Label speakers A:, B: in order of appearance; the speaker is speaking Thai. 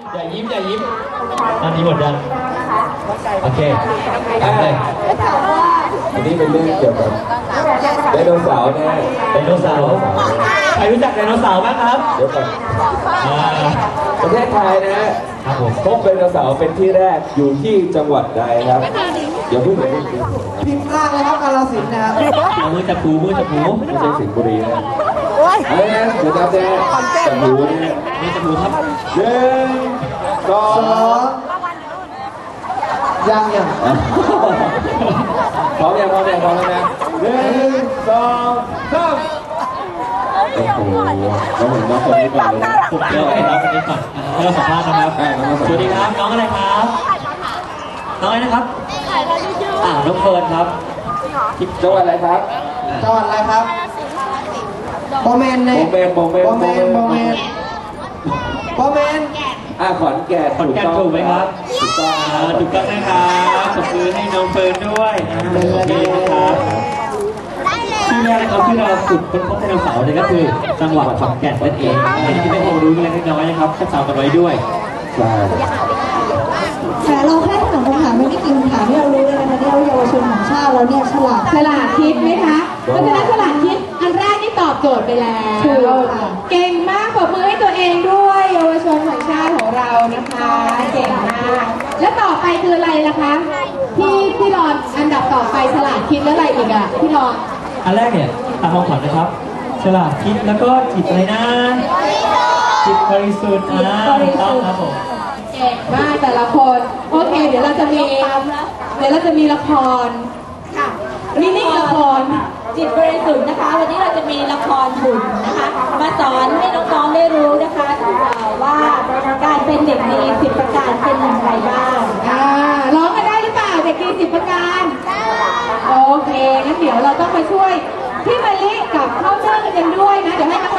A: อย่ายิ้มอย่ายิ้มตอนนี้หมดยังโอเคเลย
B: อันนี้เป็นเรื่องเกี่ยวกับไดโนเสาร์นะฮะ
A: ไดโนเสาร์ใครรู้จักไดโนเสาร์บ้างครับ
B: เดี๋ยวก่อนประเทศไทยนะฮะพบไดโนเสาร์เป็นที่แรกอยู่ที่จังหวัดใดครับเดี๋ยวพูดถึง
C: พิมพ์ล่างเลยครับกาฬสินธุ์นะครับ
A: เอามือจับหูมือจับหู
B: ไม่ใช่สิงห์บุรีนะอะไรนะเดี๋ยวจับแจ๊จับหูนะฮะ
A: มือจับหูครับ
B: 1 2
C: ยัง
B: พร้อมยังแล้วนะ1 2 3โอ้โหเราเหมือนน้องคนนี้ก่อนเลยนะ
A: สุดยอดเลยน้องคนนี้ก่อนให้เราสัมภาษณ์นะครับสวัสดีครับน้องอะไรครับน้องอะไรนะครับน้องเฟิร์นครับ
B: จังหวัดอะไรครับ
C: จังหวัดอะไรครับโบเมนเลย
B: โบเมน
C: ขอนแก่น
A: ถูกไหมครับถูกต้องนะครับขอบคุณให้น้องเฟิร์นด้วยโอเคนะครับที่แรกนะครับที่เราฝึกค้นพบไดโนเสาร์เนี่ยก็คือจังหวัดขอนแก่นนั่นเองอันนี้ไม่ความรู้เล็กน้อยนะครับก็จำกันไว้ด้วย
D: แต่เราแค่ถามคำถามไม่ได้กินคำถามที่เรารู้เลยนะคะที่เราเยาวชนของชาติเราเนี่ยฉลาดคิดไหมคะเพราะฉะนั้นฉลาดคิดอันแรกนี่ตอบโจทย์ไปแล้วเก่งมากปรบมือให้ตัวเองด้วยเยาวชนของชาติของเรานะคะเก่งมากและต่อไปคืออะไรล่ะคะพี่รอนอันดับต่อไปฉลาดคิดแล้วอะไรอีกอ่ะพี่รอน
A: อันแรกเนี่ยตามความฝันนะครับฉลาดคิดแล้วก็จิตอะไรนะจิตบริสุทธิ์ต้องครับผม
D: เก่งมากแต่ละคนโอเคเดี๋ยวเราจะมีละครค่ะมินิละคร
E: จิตบริสุทธิ์นะคะวันนี้เราจะมีละครหุ่นนะคะมาสอนให้น้องๆได้รู้นะคะว่าการเป็นเด็กดี10 ประการเป็นอย่างไรบ้าง
D: ร้องกันได้หรือเปล่าเด็กดี10 ประการโอเคงั้นเดี๋ยวเราต้องมาช่วยพี่มะลิกับข้าวเจ้ากันด้วยนะเดี๋ยวให้